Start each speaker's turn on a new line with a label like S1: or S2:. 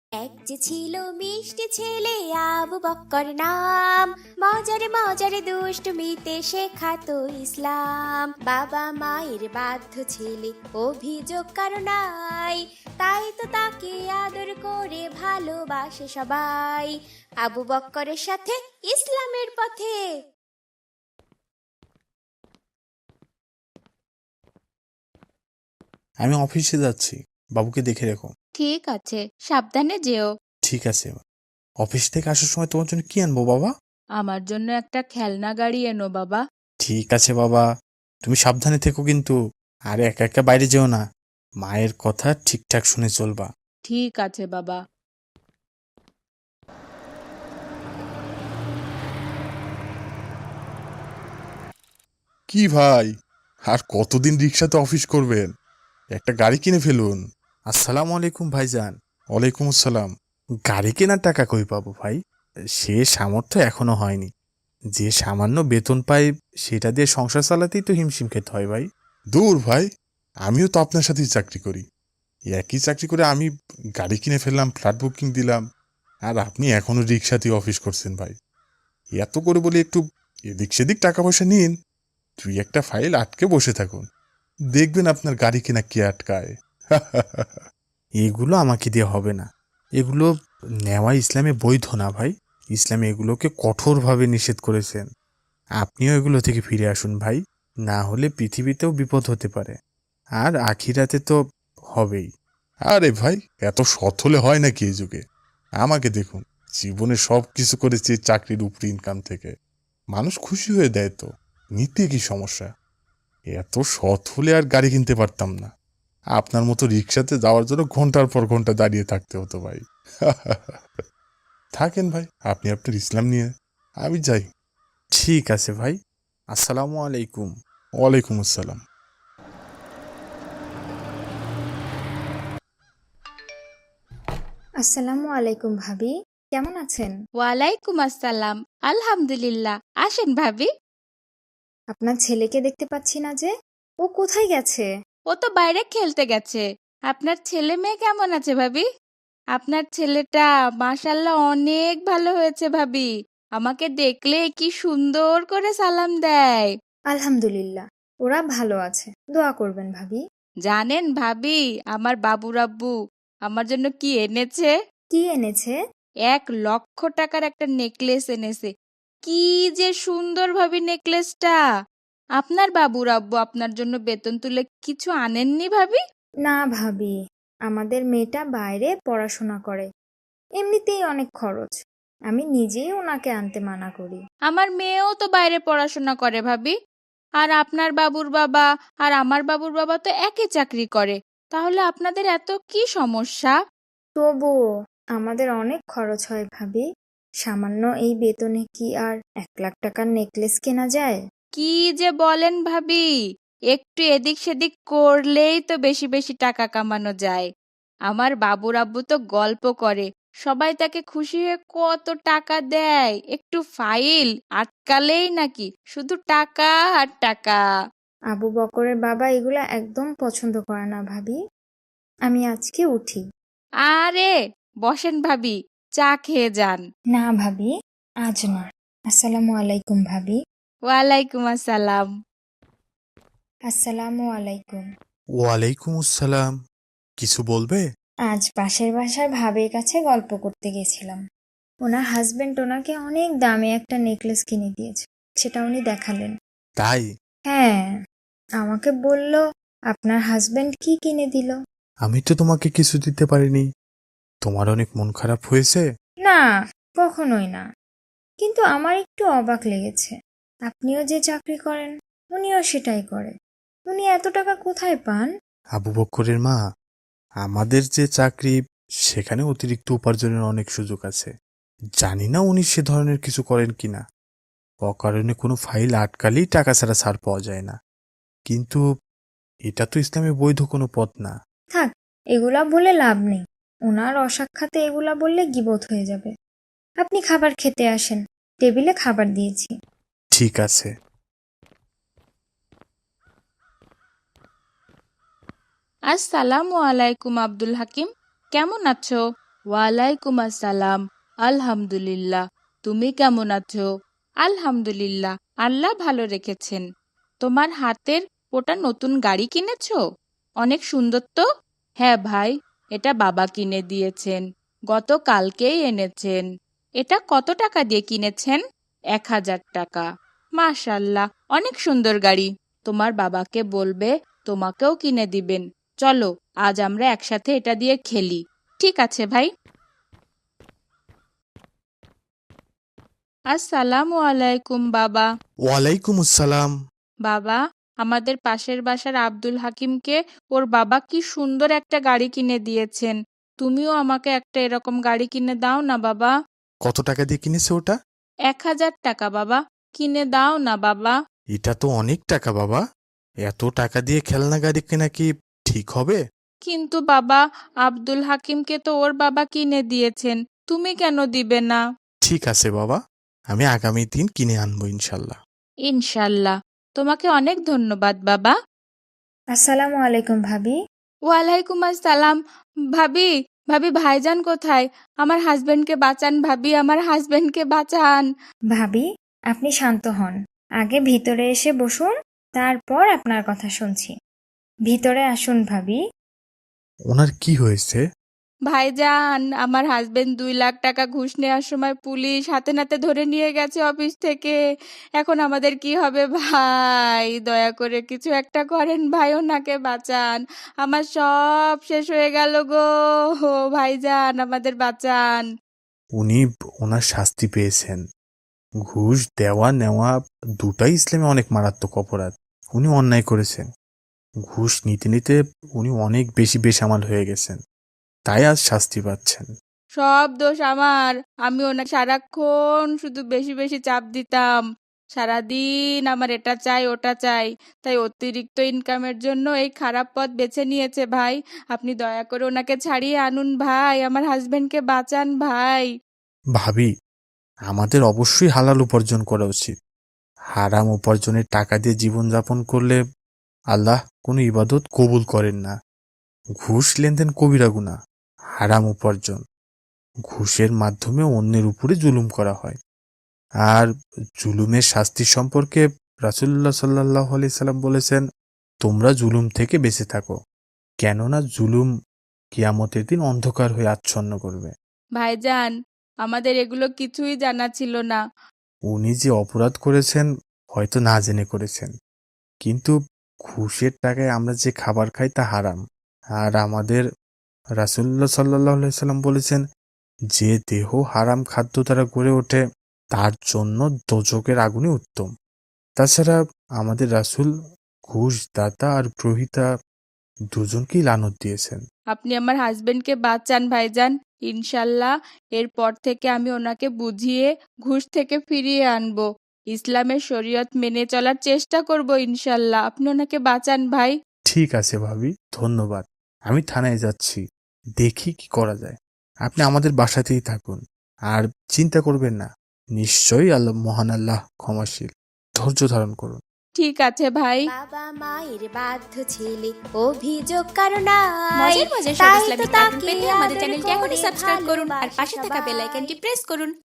S1: এক যে ছিল মিষ্টি ছেলে আবু বক্কর নাম, মজারে মজারে দুষ্টমিতে শেখাতো ইসলাম। বাবা মায়ের বাধ্য ছেলে, অভিযোগ কারো নাই, তাই তো তাকে আদর করে ভালোবাসে সবাই। আবু বক্করের সাথে ইসলামের পথে।
S2: আমি অফিসে যাচ্ছি, বাবুকে দেখে রেখো।
S3: ঠিক আছে, সাবধানে যেও।
S2: ঠিক আছে। অফিস থেকে আসার সময় তোমার জন্য কি আনবো বাবা?
S3: আমার জন্য একটা খেলনা গাড়ি এনো বাবা।
S2: ঠিক আছে বাবা, তুমি সাবধানে থেকো কিন্তু। আর একা একা বাইরে যেও না, মায়ের কথা ঠিকঠাক শুনে চলবা।
S3: ঠিক আছে বাবা।
S4: কি ভাই, আর কতদিন রিক্সাতে অফিস করবেন? একটা গাড়ি কিনে ফেলুন।
S2: আসসালামু আলাইকুম ভাইজান।
S4: ওয়ালাইকুম আসসালাম।
S2: গাড়ি কেনার টাকা কই পাবো ভাই? সে সামর্থ্য এখনো হয়নি। যে সামান্য বেতন পাই সেটা দিয়ে সংসার চালাতেই তো হিমশিম খেতে হয় ভাই।
S4: দূর ভাই, আমিও তো আপনার সাথেই চাকরি করি। একই চাকরি করে আমি গাড়ি কিনে ফেললাম, ফ্ল্যাট বুকিং দিলাম, আর আপনি এখনো রিক্সাতেই অফিস করছেন ভাই। এত করে বলি একটু এদিক সেদিক টাকা পয়সা নিন, তুই একটা ফাইল আটকে বসে থাকুন, দেখবেন আপনার গাড়ি কেনা কে আটকায়।
S2: এগুলো আমাকে দিয়ে হবে না। এগুলো নেওয়া ইসলামে বৈধ না ভাই। ইসলামে এগুলোকে কঠোরভাবে নিষেধ করেছেন। আপনিও এগুলো থেকে ফিরে আসুন ভাই, না হলে পৃথিবীতেও বিপদ হতে পারে, আর আখিরাতে তো হবেই।
S4: আরে ভাই, এত সৎ হলে হয় নাকি এই যুগে? আমাকে দেখুন, জীবনে সব কিছু করেছি চাকরির উপর ইনকাম থেকে। মানুষ খুশি হয়ে দেয় তো, নিতে কি সমস্যা? এত সৎ হলে আর গাড়ি কিনতে পারতাম না। আপনার মতো রিক্সাতে যাওয়ার জন্য ঘন্টার পর ঘন্টা দাঁড়িয়ে থাকতে হতো ভাই। থাকেন ভাই, আপনি আপনার ইসলাম নিয়ে, আমি যাই।
S2: ঠিক আছে ভাই, আসসালামু আলাইকুম।
S4: ওয়ালাইকুম আসসালাম।
S5: আসসালামু আলাইকুম ভাবি, কেমন আছেন?
S3: ওয়ালাইকুম আসসালাম। আলহামদুলিল্লাহ। আসেন ভাবি।
S5: আপনার ছেলেকে দেখতে পাচ্ছি না যে, ও কোথায় গেছে?
S3: ও তো বাইরে খেলতে গেছে। আপনার ছেলে মেয়ে কেমন আছে ভাবি? আপনার ছেলেটা মাশাল্লাহ অনেক ভালো হয়েছে ভাবি। আমাকে দেখলে কি সুন্দর করে সালাম দেয়।
S5: আলহামদুলিল্লাহ, ওরা ভালো আছে, দোয়া করবেন ভাবি।
S3: জানেন ভাবি, আমার বাবুর আব্বু আমার জন্য কি এনেছে?
S5: কি এনেছে?
S3: 1,00,000 টাকার একটা নেকলেস এনেছে। কি যে সুন্দর ভাবি নেকলেসটা। আপনার বাবুর আব্বু আপনার জন্য বেতন তুলে কিছু আনেননি ভাবি?
S5: না ভাবি, আমাদের মেয়েটা বাইরে পড়াশোনা করে, এমনিতেই অনেক খরচ। আমি নিজেই ওনাকে আনতে মানা করি।
S3: আমার মেয়েও তো বাইরে পড়াশোনা করে ভাবি। আর আপনার বাবুর বাবা আর আমার বাবুর বাবা তো একই চাকরি করে। তাহলে আপনাদের এত কি সমস্যা?
S5: তবুও আমাদের অনেক খরচ হয় ভাবি। সামান্য এই বেতনে কি আর 1,00,000 টাকার নেকলেস কেনা যায়?
S3: কি যে বলেন ভাবি, একটু এদিক সেদিক করলেই তো বেশি বেশি টাকা কামানো যায়। আমার বাবুর আব্বু তো গল্প করে, সবাই তাকে খুশি হয়ে কত টাকা দেয়, একটু ফাইল আটকালেই নাকি শুধু টাকা আর টাকা।
S5: আবু বকরের বাবা এগুলা একদম পছন্দ করে না ভাবি। আমি আজকে উঠি।
S3: আরে বসেন ভাবি, চা খেয়ে যান।
S5: না ভাবি, আজ না। আসসালামু আলাইকুম ভাবি।
S3: ওয়ালাইকুম আসসালাম।
S5: আসসালামু আলাইকুম।
S2: ওয়ালাইকুম আসসালাম। কিছু বলবে?
S5: আজ পাশের বাসার ভাবির কাছে গল্প করতে গেছিলাম। ওনার হাজবেন্ড ওনাকে অনেক দামে একটা নেকলেস কিনে দিয়েছে, সেটা উনি দেখালেন।
S2: তাই?
S5: হ্যাঁ, আমাকে বলল আপনার হাজবেন্ড কি কিনে দিল।
S2: আমি তো তোমাকে কিছু দিতে পারিনি। তোমার অনেক মন খারাপ হয়েছে?
S5: না, কখনোই না। কিন্তু আমার একটু অবাক লেগেছে। আপনিও যে চাকরি করেন, উনিও সেটাই করে। উনি এত টাকা কোথায় পান?
S2: আবু বক্করের মা, আমাদের যে চাকরি সেখানে অতিরিক্ত উপার্জনের অনেক সুযোগ আছে। জানি না উনি সে ধরনের কিছু করেন কিনা। অকারণে কোনো ফাইল আটকালেই টাকা ছাড়া ছাড় পাওয়া যায় না। কিন্তু এটা তো ইসলামে বৈধ কোনো পথ না।
S5: থাক, এগুলা বলে লাভ নেই। ওনার অসাক্ষাতে এগুলা বললে গীবত হয়ে যাবে। আপনি খাবার খেতে আসেন, টেবিলে খাবার দিয়েছি।
S2: ঠিক আছে।
S3: আসসালামু আলাইকুম আব্দুল হাকিম, কেমন আছো? ওয়ালাইকুম আসসালাম। আলহামদুলিল্লাহ। তুমি কেমন আছো? আলহামদুলিল্লাহ, আল্লাহ ভালো রেখেছেন। তোমার হাতের ওটা নতুন গাড়ি কিনেছো? অনেক সুন্দর তো। হ্যাঁ ভাই, এটা বাবা কিনে দিয়েছেন, গতকালকেই এনেছেন। এটা কত টাকা দিয়ে কিনেছেন? 1000 টাকা। মাশাল্লাহ, অনেক সুন্দর গাড়ি। তোমার বাবাকে বলবে তোমাকেও কিনে দিবেন। চলো, আজ আমরা একসাথে এটা দিয়ে খেলি। ঠিক আছে ভাই। আসসালামু আলাইকুম বাবা।
S2: ওয়ালাইকুম আসসালাম।
S3: বাবা, আমাদের পাশের বাসার আব্দুল হাকিমকে ওর বাবা কি সুন্দর একটা গাড়ি কিনে দিয়েছেন। তুমিও আমাকে একটা এরকম গাড়ি কিনে দাও না বাবা।
S2: কত টাকা দিয়ে কিনেছে ওটা?
S3: 1000 টাকা বাবা। কিনে দাও না বাবা।
S2: এটা তো অনেক টাকা বাবা। এত টাকা দিয়ে খেলনা গাড়ি কেনা কি ঠিক হবে?
S3: কিন্তু বাবা, আব্দুল হাকিমকে তো ওর বাবা কিনে দিয়েছেন, তুমি কেন দিবে না?
S2: ঠিক আছে বাবা, আমি আগামী দিন কিনে আনবো ইনশাল্লাহ।
S3: ইনশাল্লাহ। তোমাকে অনেক ধন্যবাদ বাবা।
S5: আসসালামু আলাইকুম ভাবি।
S3: ওয়ালাইকুম আসসালাম। ভাবি, ভাবি ভাইজান কোথায়? আমার হাজবেন্ডকে বাঁচান ভাবি, আমার হাজবেন্ডকে বাঁচান।
S5: ভাবি, আপনি শান্ত হন। আগে ভিতরে এসে বসুন, তারপর আপনার কথা শুনছি। ভিতরে আসুন ভাবি।
S2: ওনার কি হয়েছে?
S3: ভাইজান, আমার হাজবেন্ড 2 লাখ টাকা ঘুষ নেওয়ার সময় পুলিশ হাতে নাতে ধরে নিয়ে গেছে অফিস থেকে। এখন আমাদের কি হবে ভাই? দয়া করে কিছু একটা করেন ভাই, ওনাকে বাঁচান। আমার সব শেষ হয়ে গেল গো। ভাইজান, আমাদের বাঁচান।
S2: উনি ওনার শাস্তি পেয়েছেন। ঘুষ দেওয়া নেওয়া দুটাই ইসলামে অনেক মারাত্মক অপরাধ। উনি অন্যায় করেছেন। ঘুষ নিতে নিতে উনি অনেক বেশি বেসামাল হয়ে গেছেন, তাই আজ শাস্তি পাচ্ছেন।
S3: সব দোষ আমার। আমি ওনাকে সারাক্ষণ শুধু বেশি বেশি চাপ দিতাম। সারাদিন আমার এটা চাই ওটা চাই, তাই অতিরিক্ত ইনকামের জন্য এই খারাপ পথ বেছে নিয়েছে ভাই। আপনি দয়া করে ওনাকে ছাড়িয়ে আনুন ভাই, আমার হাজবেন্ডকে বাঁচান ভাই।
S2: ভাবি, আমাদের অবশ্যই হালাল উপার্জন করা উচিত। হারাম উপার্জনের টাকা দিয়ে জীবনযাপন করলে আল্লাহ কোনো ইবাদত কবুল করেন না। ঘুষ লেনদেন কবিরা গুনাহ। হারাম উপার্জন, ঘুষের মাধ্যমে অন্যের উপরে জুলুম করা হয়। আর জুলুমের শাস্তি সম্পর্কে রাসূলুল্লাহ সাল্লাল্লাহু আলাইহি সাল্লাম বলেছেন, তোমরা জুলুম থেকে বেঁচে থাকো, কেননা জুলুম কিয়ামতের দিন অন্ধকার হয়ে আচ্ছন্ন করবে।
S3: ভাইজান, আমাদের এগুলো কিছুই জানা ছিল না।
S2: উনি যে অপরাধ করেছেন হয়তো না জেনে করেছেন, কিন্তু ঘুষের টাকায় আমরা যে খাবার খাই তা হারাম। আর আমাদের রাসূলুল্লাহ সাল্লাল্লাহু আলাইহি সাল্লাম বলেছেন, যে দেহ হারাম খাদ্য দ্বারা গড়ে ওঠে তার জন্য দোজখের আগুনই উত্তম। তাছাড়া আমাদের রাসূল ঘুষ দাতা আর গ্রহীতা দুজনকেই লানত দিয়েছেন।
S3: আপনি আমার হাজবেন্ডকে বাঁচান ভাইজান। ইনশাল্লাহ এরপর থেকে আমি ওনাকে বুঝিয়ে ঘুষ থেকে ফিরিয়ে আনবো। ইসলামের শরীয়ত মেনে চলার চেষ্টা করব ইনশাল্লাহ। আপনি ওনাকে বাঁচান ভাই।
S2: ঠিক আছে ভাবি, ধন্যবাদ। আমি থানায় যাচ্ছি, দেখি কি করা যায়। আপনি আমাদের বাসাতেই থাকুন, আর চিন্তা করবেন না। নিশ্চয়ই আল্লাহ মহান আল্লাহ ক্ষমাশীল। ধৈর্য ধারণ করুন।
S3: ঠিক আছে ভাই।
S1: বাবা মায়ের বাধ্য ছেলে, অভিযোগ কারো নাই।
S6: মজার মজার সব
S1: তাই তো
S6: ইসলামিক কার্টুন
S1: তাকে
S6: পেতে আমাদের
S1: আদর
S6: চ্যানেলটি এখনই
S1: করে
S6: সাবস্ক্রাইব করুন আর
S1: ভালোবাসে
S6: পাশে থাকা
S1: সবাই।
S6: বেল আইকনটি প্রেস করুন।